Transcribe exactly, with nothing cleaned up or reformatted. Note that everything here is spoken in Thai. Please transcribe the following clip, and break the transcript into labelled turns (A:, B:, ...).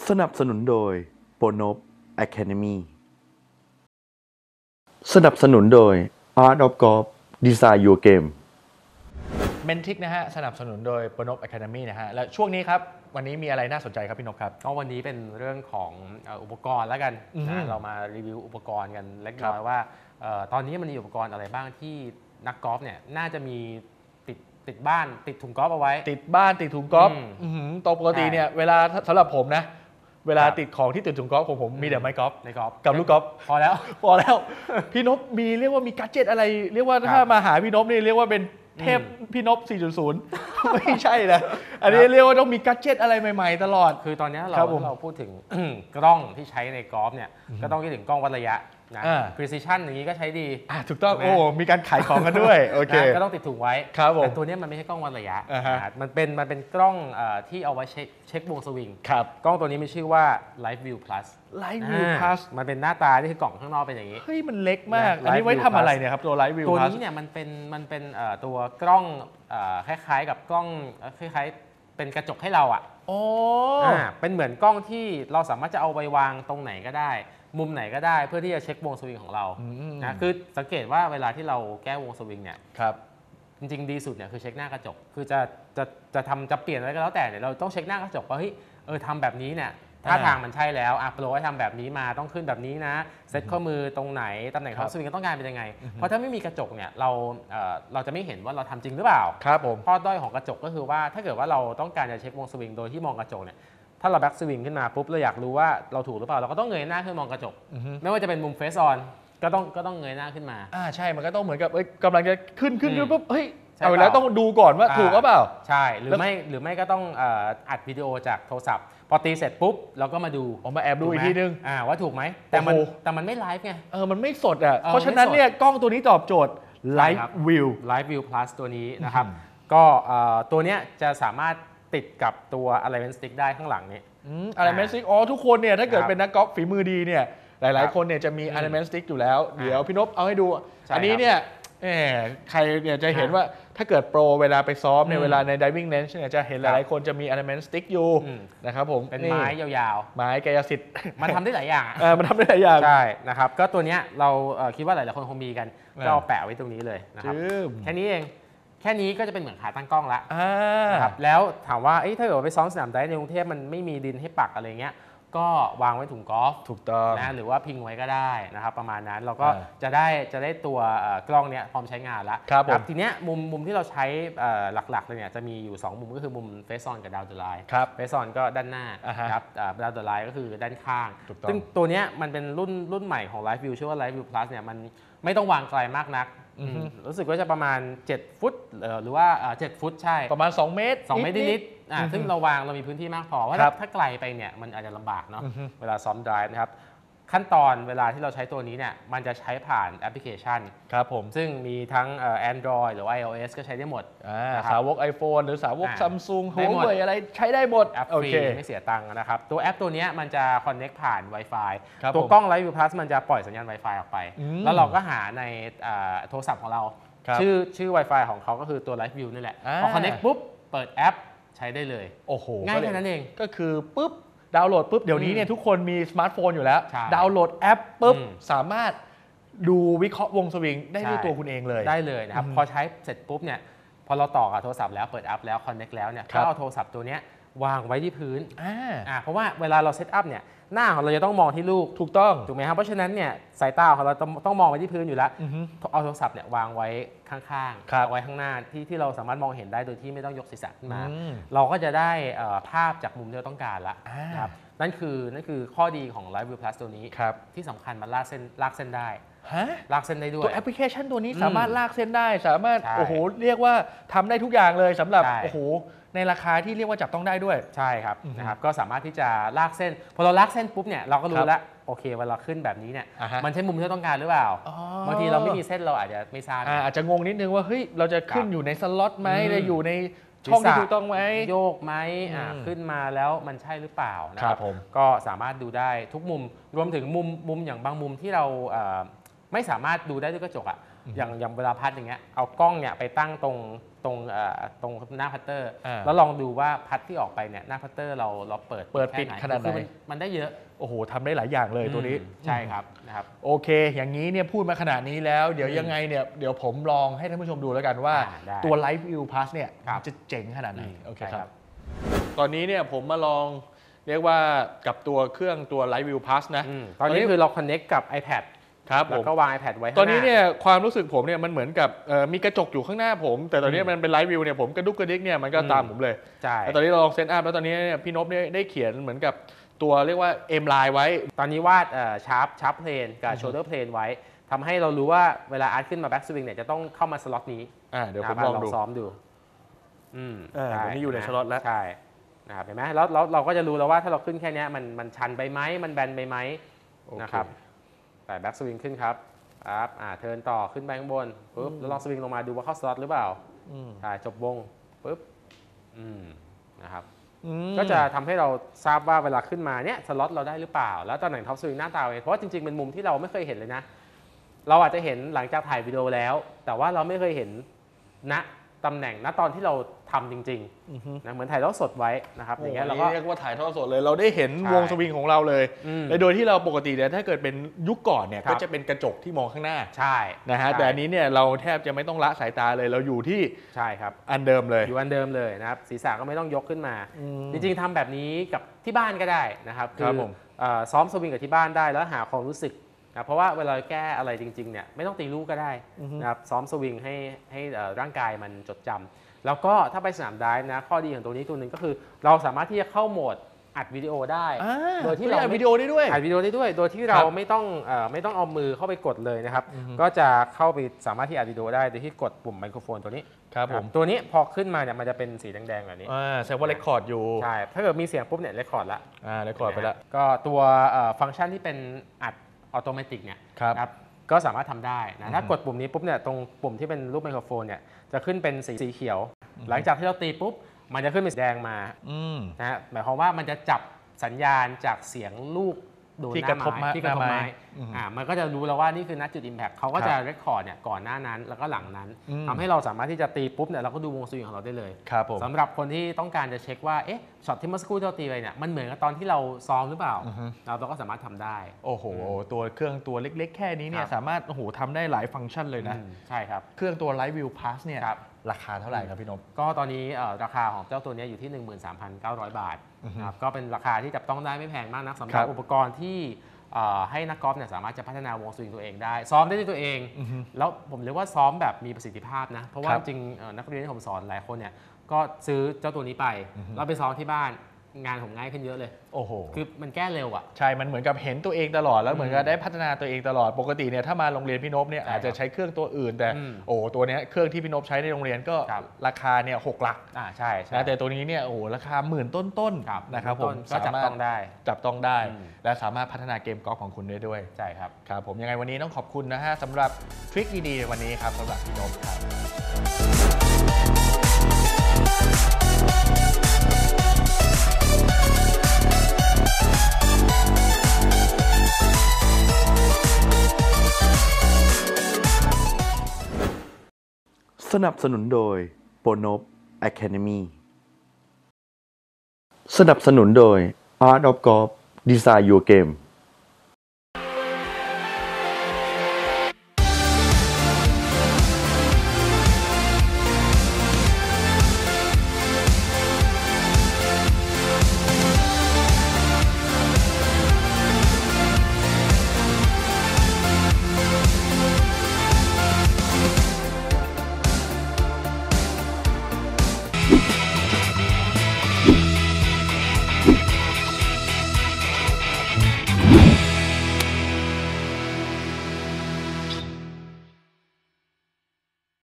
A: สนับสนุนโดย Bonop Academy สนับสนุนโดย Art of Golf Design Your Game
B: เมนทิกนะฮะสนับสนุนโดย Bonop Academy นะฮะและช่วงนี้ครับวันนี้มีอะไรน่าสนใจครับพี่นพครับ
C: ก็วันนี้เป็นเรื่องของอุปกรณ์แล้วกันนะเรามารีวิวอุปกรณ์กันเล็กน้อยว่าตอนนี้มันมีอุปกรณ์อะไรบ้างที่นักกอล์ฟเนี่ยน่าจะมีติดติดบ้านติดถุงกอล์ฟเอาไว้
B: ติดบ้านติดถุงกอล์ฟตปกติเนี่ยเวลาสำหรับผมนะเวลาติดของที่ติดถุงกอล์ฟของผมมีแต่ไม้กอล์ฟ
C: ในกอล์ฟ
B: กับลูกกอล์ฟ
C: พอแล้ว
B: พอแล้วพี่นพมีเรียกว่ามีกัจเจตอะไรเรียกว่าถ้ามาหาพี่นพนี่เรียกว่าเป็นเทพพี่นพ สี่จุดศูนย์ ไม่ใช่นะอันนี้เรียกว่าต้องมีกัจเจตอะไรใหม่ๆตลอด
C: คือตอนนี้เราเราพูดถึงกล้องที่ใช้ในกอล์ฟเนี่ยก็ต้องคิดถึงกล้องวัดระยะนะ precision อย่างนี้ก็ใช้ดี
B: ถูกต้องโอ้มีการขายของกันด้วยโอเค
C: ก็ต้องติดถุงไว้แต่ตัวนี้มันไม่ใช่กล้องวัดระยะมันเป็นมันเป็นกล้องที่เอาไว้เช็คเช็ควงสวิงกล้องตัวนี้มีชื่อว่า Live View Plus
B: Live View Plus
C: มันเป็นหน้าตาที่คือกล่องข้างนอกเป็นอย่างนี้
B: เฮ้ยมันเล็กมากอันนี้ไว้ทำอะไรเนี่ยครับตัว Live View
C: Plus ตัว
B: นี้
C: เนี่ยมันเป็นมันเป็นตัวกล้องคล้ายๆกับกล้องคล้ายๆเป็นกระจกให้เราอ่ะ
B: โอ้
C: เป็นเหมือนกล้องที่เราสามารถจะเอาไปวางตรงไหนก็ได้มุมไหนก็ได้เพื่อที่จะเช็ควงสวิงของเรานะคือสังเกตว่าเวลาที่เราแก้วงสวิงเนี่ยจริงๆดีสุดเนี่ยคือเช็คหน้ากระจกคือจะจะจะทำจะเปลี่ยนอะไรก็แล้วแต่เนี่ยเราต้องเช็คหน้ากระจกว่าเฮ้ยเออทำแบบนี้เนี่ยท่าทางมันใช่แล้วอ่ะโปรให้ทำแบบนี้มาต้องขึ้นแบบนี้นะเซ็ตข้อมือตรงไหนตำแหน่งท็อปสวิงต้องการเป็นยังไงเพราะถ้าไม่มีกระจกเนี่ยเราเอ่อเราจะไม่เห็นว่าเราทำจริงหรือเปล่า
B: ครับผม
C: ข้อด้อยของกระจกก็คือว่าถ้าเกิดว่าเราต้องการจะเช็ควงสวิงโดยที่มองกระจกเนี่ยถ้าเราแบ็กสวิงขึ้นมาปุ๊บเราอยากรู้ว่าเราถูกหรือเปล่าเราก็ต้องเงยหน้าขึ้นมองกระจกไม่ว่าจะเป็นมุมเฟซออนก็ต้องก็ต้องเงยหน้าขึ้นมา
B: อ่าใช่มันก็ต้องเหมือนกับเอ้ยกำลังจะขึ้นขึ้นปุ๊บเฮ้ยเอาแล้วต้องดูก่อนว่าถูกหรือเปล่า
C: ใช่หรือไม่หรือไม่ก็ต้องอัดวิดีโอจากโทรศัพท์พอตีเสร็จปุ๊บเราก็มาดู
B: ผมมาแอบดูอีกทีนึง
C: อ่าว่าถูกไหมแต่มันแต่มันไม่ไลฟ์ไง
B: เออมันไม่สดอ่ะเพราะฉะนั้นเนี่ยกล้องตัวนี้ตอบโจทย์ Live View
C: Live View Plus ตัวนี้นะครับก็ตัวเนี้ยจะสามารถติดกับตัว Alignment Stick ได้ข้างหลังนี้
B: Alignment Stick อ๋อทุกคนเนี่ยถ้าเกิดเป็นนักกอล์ฟฝีมือดีเนี่ยหลายๆคนเนี่ยจะมี Alignment Stick อยู่แล้วเดี๋ยวพี่นพเอาให้ดูอันนี้เนี่ยใครเนี่ยจะเห็นว่าถ้าเกิดโปรเวลาไปซ้อมในเวลาใน diving range เนี่ยจะเห็นหลายๆคนจะมี element stick อยู่นะครับผม
C: เป็นไม้ยาว
B: ๆไม้กายสิทธิ์
C: มันทำได้หลายอย่าง
B: เออมันทำได้หลายอย่าง
C: ใช่นะครับก็ตัวเนี้ยเราคิดว่าหลายๆคนคงมีกันก็เอาแปะไว้ตรงนี้เลยนะครับแค่นี้เองแค่นี้ก็จะเป็นเหมือนขาตั้งกล้องละนะครับแล้วถามว่าถ้าเกิดไปซ้อมสนามไดฟ์ในกรุงเทพมันไม่มีดินให้ปักอะไรเงี้ยก็วางไว้ถุงกอล์ฟ
B: ถูกต้อง
C: นะหรือว่าพิงไว้ก็ได้นะครับประมาณนั้นเราก็จะได้จะได้ตัวกล้องเนี้ยพร้อมใช้งานแล้วครับทีเนี้ยมุมมุมที่เราใช้หลักๆเลยเนี่ยจะมีอยู่สองมุมก็คือมุมเฟซออนกับดาวเดอร์ไลน์เฟซออนก็ด้านหน้าครับดาวเดอร์ไลน์ก็คือด้านข้างซึ่งตัวเนี้ยมันเป็นรุ่นรุ่นใหม่ของ Live View ชื่อว่า Live View Plus เนี่ยมันไม่ต้องวางไกลมากนักรู้สึกว่าจะประมาณเจ็ดฟุตหรือว่าเจ็ดฟุตใช่
B: ประมาณสองเมตร
C: สองเมตรนิดๆซึ่งเราวางเรามีพื้นที่มากพอว่าถ้าไกลไปเนี่ยมันอาจจะลำบากเนาะเวลาซ้อมไดรฟ์นะครับขั้นตอนเวลาที่เราใช้ตัวนี้เนี่ยมันจะใช้ผ่านแอปพลิเคชัน
B: ครับผม
C: ซึ่งมีทั้ง Android หรือว่า iOS ก็ใช้ได้หมด
B: สาวก iPhone หรือสาวก Samsung หัวเว่ยอะไรใช้ได้หมด
C: แอปฟรีไม่เสียตังค์นะครับตัวแอปตัวนี้มันจะ connect ผ่าน Wi-Fi ตัวกล้อง Live View Plus มันจะปล่อยสัญญาณ Wi-Fi ออกไปแล้วเราก็หาในโทรศัพท์ของเราชื่อชื่อ Wi-Fi ของเขาก็คือตัว Live View นี่แหละพอ connect ปุ๊บเปิดแอปใช้ได้เลย
B: โอ้โห
C: ง่ายแค่นั้นเอง
B: ก็คือปุ๊บดาวน์โหลดปุ๊บเดี๋ยวนี้เนี่ยทุกคนมีสมาร์ทโฟนอยู่แล้วดาวน์โหลดแอปปุ๊บสามารถดูวิเคราะห์วงสวิงได้ด้วยตัวคุณเองเลย
C: ได้เลยนะครับพอใช้เสร็จปุ๊บเนี่ยพอเราต่อกับโทรศัพท์แล้วเปิดแอปแล้ว connect แล้วเนี่ยก็เอาโทรศัพท์ตัวนี้วางไว้ที่พื้นอ่าเพราะว่าเวลาเราเซตอัพเนี่ยหน้าของเราจะต้องมองที่ลูก
B: ถูกต้อง
C: ถูกไหมครับเพราะฉะนั้นเนี่ยสายตาของเราต้องต้องมองไปที่พื้นอยู่แล้วเอาโทรศัพท์เนี่ยวางไว้ข้างๆไว้ข้างหน้าที่ที่เราสามารถมองเห็นได้โดยที่ไม่ต้องยกศีรษะขึ้นมาเราก็จะได้ภาพจากมุมที่เราต้องการละนะครับนั่นคือนั่นคือข้อดีของ Live View Plus ตัวนี้ที่สำคัญมันลากเส้นลากเส้นได้ลากเส้นได้ด้วย
B: ตัวแอปพลิเคชันตัวนี้สามารถลากเส้นได้สามารถโอ้โหเรียกว่าทำได้ทุกอย่างเลยสำหรับโอ้โหในราคาที่เรียกว่าจับต้องได้ด้วย
C: ใช่ครับนะครับก็สามารถที่จะลากเส้นพอเราลากเส้นปุ๊บเนี่ยเราก็รู้แล้วโอเคเวลาขึ้นแบบนี้เนี่ยมันใช่มุมที่เราต้องการหรือเปล่าบางทีเราไม่มีเส้นเราอาจจะไม่ทราบ
B: อาจจะงงนิดนึงว่าเฮ้ยเราจะขึ้นอยู่ในสล็อตไหมจะอยู่ในช่องที่ถูกต้องไหม
C: โยกไหมขึ้นมาแล้วมันใช่หรือเปล่านะครับก็สามารถดูได้ทุกมุมรวมถึงมุมมุมอย่างบางมุมที่เราไม่สามารถดูได้ด้วยกระจกอ่ะอย่างอย่างเวลาพัดอย่างเงี้ยเอากล้องเนี่ยไปตั้งตรงตรงเอ่อตรงหน้าพัตเตอร์
B: อ่า
C: แล้วลองดูว่าพัดที่ออกไปเนี่ยหน้าพัตเตอร์เราเราเปิด
B: เปิดปิดขนาดไหน
C: คือมันมันได้เยอะ
B: โอ้โหทำได้หลายอย่างเลยตัวนี้
C: อืมใช่ครับนะครับ
B: โอเค อย่างนี้เนี่ยพูดมาขนาดนี้แล้ว เดี๋ยวยังไงเนี่ยเดี๋ยวผมลองให้ท่านผู้ชมดูแล้วกันว่า
C: อ่าได้
B: ตัว Live View Plus เนี่ย
C: ครับ
B: จะเจ๋งขนาดไหน
C: อืม
B: โอเค
C: ใช่
B: ค
C: ครั
B: รับ บ ตอนนี้เนี่ยผมมาลองเรียกว่ากับตัวเครื่องตัว Live View Plus นะ
C: อืมตอนนี้คือเรา connect กับ iPad
B: ครับผ
C: แล้ว
B: ม
C: ก็วาง iPad ไว้ข้างห
B: ตอนนี้เนี่ยความรู้สึกผมเนี่ยมันเหมือนกับเอ่อมีกระจกอยู่ข้างหน้าผม แต่ตอนนี้
C: อืม
B: มันเป็น Live View เนี่ยผมกระดุกกระดิกเนี่ยมันก็
C: อืม
B: ตามผมเลย
C: ใช่
B: แล้วตอนนี้เราลองเซตอัพแล้วตอนนี้เนี่ยพี่นพเนี่ยได้เขียนเหมือนกับตัวเรียกว่า M line ไว้
C: ตอนนี้วาดชาร์ปชาร์ปเพลนกับโชเดอร์เพลนไว้ทำให้เรารู้ว่าเวลาอาร์ตขึ้นมาแบ็กสวิงเนี่ยจะต้องเข้ามาสล็อตนี้
B: อ่าเดี๋ยวผม
C: นะครับ
B: ลองดู
C: ซ้อมดูอืม
B: อ่า
C: ใช่
B: เดี๋ยวนี้อยู่ใน
C: ะ
B: สล็อตแล้ว
C: ใช่นะครับเห็นไหมแล้วแล้วเราก็จะรู้แล้วว่าถ้าเราขึ้นแค่เนี้ยมันมันชันไปไหมมันแบนไปไหม
B: โอเค
C: นะครับแต่แบ็กสวิงขึ้นครับครับอ่าเทิร์นต่อขึ้นไปข้างบนปุ๊บแล้วลองสวิงลงมาดูว่าเข้าสล็อตหรือเปล่า
B: อืม
C: ใช่จบวงปุ๊บอืมนะครับ
B: อืม
C: ก็จะทำให้เราทราบว่าเวลาขึ้นมาเนี่ยสล็อตเราได้หรือเปล่า แล้วตำแหน่งท็อปสวิงหน้าตาเป็นเพราะว่าจริงๆเป็นมุมที่เราไม่เคยเห็นเลยนะ เราอาจจะเห็นหลังจากถ่ายวิดีโอแล้ว แต่ว่าเราไม่เคยเห็นณตำแหน่งณตอนที่เราทำจริง
B: อือฮึ
C: ๆนะเหมือนถ่ายทอดสดไว้นะครับอย่างเงี้ยเรา
B: โอ้
C: ก็
B: โหเรียกว่าถ่ายทอดสดเลยเราได้เห็น
C: ใช่
B: วงสวิงของเราเลย
C: อืม
B: และโดยที่เราปกติเนี่ยถ้าเกิดเป็นยุคก่อนเนี่ย
C: ครับ
B: ก็จะเป็นกระจกที่มองข้างหน้า
C: ใช่
B: นะฮะ
C: ใช่
B: แต่อันนี้เนี่ยเราแทบจะไม่ต้องละสายตาเลยเราอยู่ที่
C: ใช่ครับ
B: อันเดิมเลย
C: อยู่อันเดิมเลยนะครับศีรษะก็ไม่ต้องยกขึ้นมา
B: อืม
C: จริงๆทำแบบนี้กับที่บ้านก็ได้นะครับ
B: ครับผม
C: เอ่อซ้อมสวิงกับที่บ้านได้แล้วหาความรู้สึกนะเพราะว่าเวลาแก้อะไรจริงๆเนี่ยไม่ต้องตีลูกก็ได้นะครับซ้อมสวิงให้ให้เอ่อร่างกายมันจดจำแล้วก็ถ้าไปสนามไดฟ์นะข้อดีของตัวนี้ตัวหนึ่งก็คือเราสามารถที่จะเข้าโหมดอัดวิดีโอได้
B: อ่า
C: โดยที่
B: เรา
C: เรา
B: อัด
C: ไม่
B: วิดีโอได้ด้วย
C: อัดวิดีโอได้ด้วย โดยที่เราไม่ต้องเอ่อไม่ต้องเอามือเข้าไปกดเลยนะครับก็จะเข้าไปสามารถที่อัดวิดีโอได้โดยที่กดปุ่มไมโครโฟนตัวนี้
B: ครับผม
C: ตัวนี้พอขึ้นมาเนี่ยมันจะเป็นสีแดงๆแบบนี้
B: อ่าแสดงว่าเรคคอร์ดอยู่
C: ใช่ ถ้าเกิดมีเสียงปุ๊บเนี่ยเรคคอร์ดละ
B: อ่าเรคคอร์ดไปแล้ว
C: ก็ตัวเอ่อฟังก์ชันที่เป็นอัดอัตโนมัติเนี่ย
B: ครับ
C: นะครับก็สามารถทำได้นะถ้ากดปุ่มนี้ปุ๊บเนี่ยตรงปุ่มที่เป็นรูปไมโครโฟนเนี่ยจะขึ้นเป็นสีสีเขียว หลังจากที่เราตีปุ๊บมันจะขึ้นเป็นสีแดงมา
B: อืม
C: นะฮะหมายความว่ามันจะจับสัญญาณจากเสียงลูกโดน
B: ที่
C: หน้าก
B: ระทบ
C: ไม้ที่กระทบ
B: หน้าไม้
C: ไม้
B: อืม
C: อ่ามันก็จะรู้แล้วว่านี่คือนัดจุด Impact เขาก็
B: ครับ
C: จะเรคคอร์ดเนี่ยก่อนหน้านั้นแล้วก็หลังนั้น
B: อืม
C: ทำให้เราสามารถที่จะตีปุ๊บเนี่ยเราก็ดูวงสวิงของเราได้เลย
B: ครับผม
C: สำหรับคนที่ต้องการจะเช็คว่า เอ๊ะ ช็อตที่เมื่อสักครู่ที่เราตีไปเนี่ย มันเหมือนกับตอนที่เราซ้อมหรือเปล่า
B: อือฮึ
C: เราเราก็สามารถทำได้
B: โอ้โห ตัวเครื่องตัวเล็กๆ แค่นี้เนี่
C: ค
B: ย
C: รับ
B: สามารถโอ้โหทำได้หลายฟังก์ชันเลยนะ
C: อืมใช่ครับ
B: เครื่องตัว Live View Plus เนี่ย
C: ครับ
B: ราคาเท่าไหร่ครับพี่นพ
C: ก็ตอนนี้เอ่อราคาของเจ้าตัวเนี้ยอยู่ที่ หนึ่งหมื่นสามพันเก้าร้อย บาท
B: อือฮึ
C: นะครับ ก็เป็นราคาที่จับต้องได้ไม่แพงมากนักสำห
B: ครั
C: รับบ อุปกรณ์ที่เอ่อให้นักกอล์ฟเนี่ยสามารถจะพัฒนาวงสวิงตัวเองได้ ซ้อมได้ด้วยตัวเอง
B: อือฮึ
C: แล้วผมเรียกว่าซ้อมแบบมีประสิทธิภาพนะ เพราะว่า
B: ครั
C: จ
B: บ
C: ริงๆเอ่อนักเรียนที่ผมสอนหลายคนเนี่ย ก็ซื้อเจ้าตัวนี้ไป แล้วไปซ้อมที่บ้าน งานผมง่ายขึ้นเยอะเลย
B: โอ้โห
C: คือมันแก้เร็วอ่ะ
B: ใช่ มันเหมือนกับเห็นตัวเองตลอด แล้วเหมือนกับได้พัฒนาตัวเองตลอด ปกติเนี่ยถ้ามาโรงเรียนพี่นพเนี่ย
C: ใช่
B: อาจจะใช้เครื่องตัวอื่น แต่
C: อืม
B: โอ้ตัวเนี้ยเครื่องที่พี่นพใช้ในโรงเรียนก็
C: ครับ
B: ราคาเนี่ยหกหลัก
C: อ่าใช่ใช่
B: นะแต่ตัวนี้เนี่ยโอ้โหราคาหมื่นต้น
C: ครับ
B: ๆนะครับผม
C: ก็จับต้องได้
B: จับต้องได้
C: อืม
B: และสามารถพัฒนาเกมกอล์ฟของคุณได้ด้วย
C: ใช่ครับ
B: ครับผมยังไงวันนี้ต้องขอบคุณนะฮะสำหรับทริคดีๆในวันนี้ครับสำหรับพี่นพครับ
A: สนับสนุนโดย Bonop Academy สนับสนุนโดย Art of Golf Design Your Game